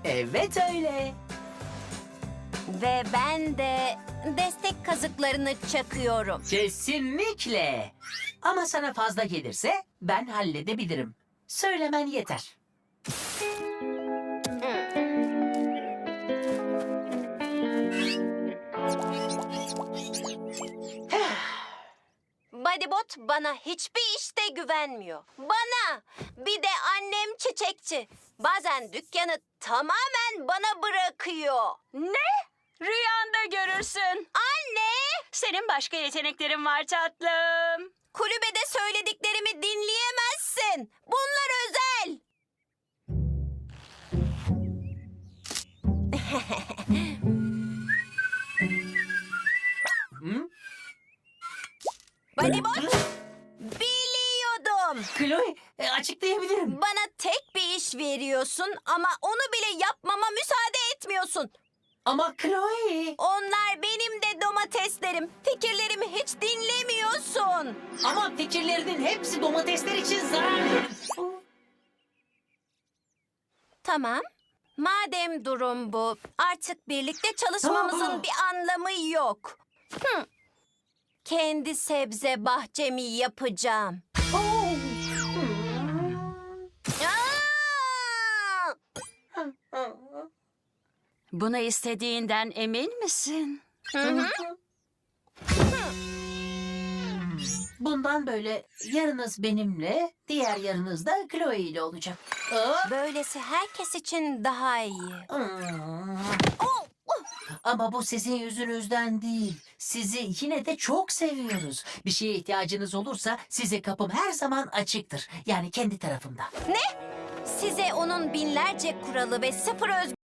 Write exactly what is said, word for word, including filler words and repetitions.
Evet öyle. Ve ben de destek kazıklarını çakıyorum. Kesinlikle. Ama sana fazla gelirse ben halledebilirim. Söylemen yeter. Bodybot bana hiçbir işte güvenmiyor. Bana! Bir de annem çiçekçi. Bazen dükkanı tamamen bana bırakıyor. Ne? Rüyanda görürsün. Anne! Senin başka yeteneklerin var tatlım. Kulübede söylediklerimi dinleyemezsin. Bunlar özel. Hı? Bodybot, biliyordum. Chloe, e, açıklayabilirim. Bana tek bir iş veriyorsun ama onu bile yapmama müsaade etmiyorsun. Ama Chloe... Onlar benim de domateslerim. Fikirlerimi hiç dinlemiyorsun. Ama fikirlerinin hepsi domatesler için zararlı. Tamam. Madem durum bu, artık birlikte çalışmamızın Aa! bir anlamı yok. Hı. Kendi sebze bahçemi yapacağım. Oh! Aa! Bunu istediğinden emin misin? Hı hı. Bundan böyle yarınız benimle, diğer yarınız da Chloe ile olacak. Aa! Böylesi herkes için daha iyi. Hmm. Oh! Ama bu sizin yüzünüzden değil. Sizi yine de çok seviyoruz. Bir şeye ihtiyacınız olursa size kapım her zaman açıktır. Yani kendi tarafımda. Size onun binlerce kuralı ve sıfır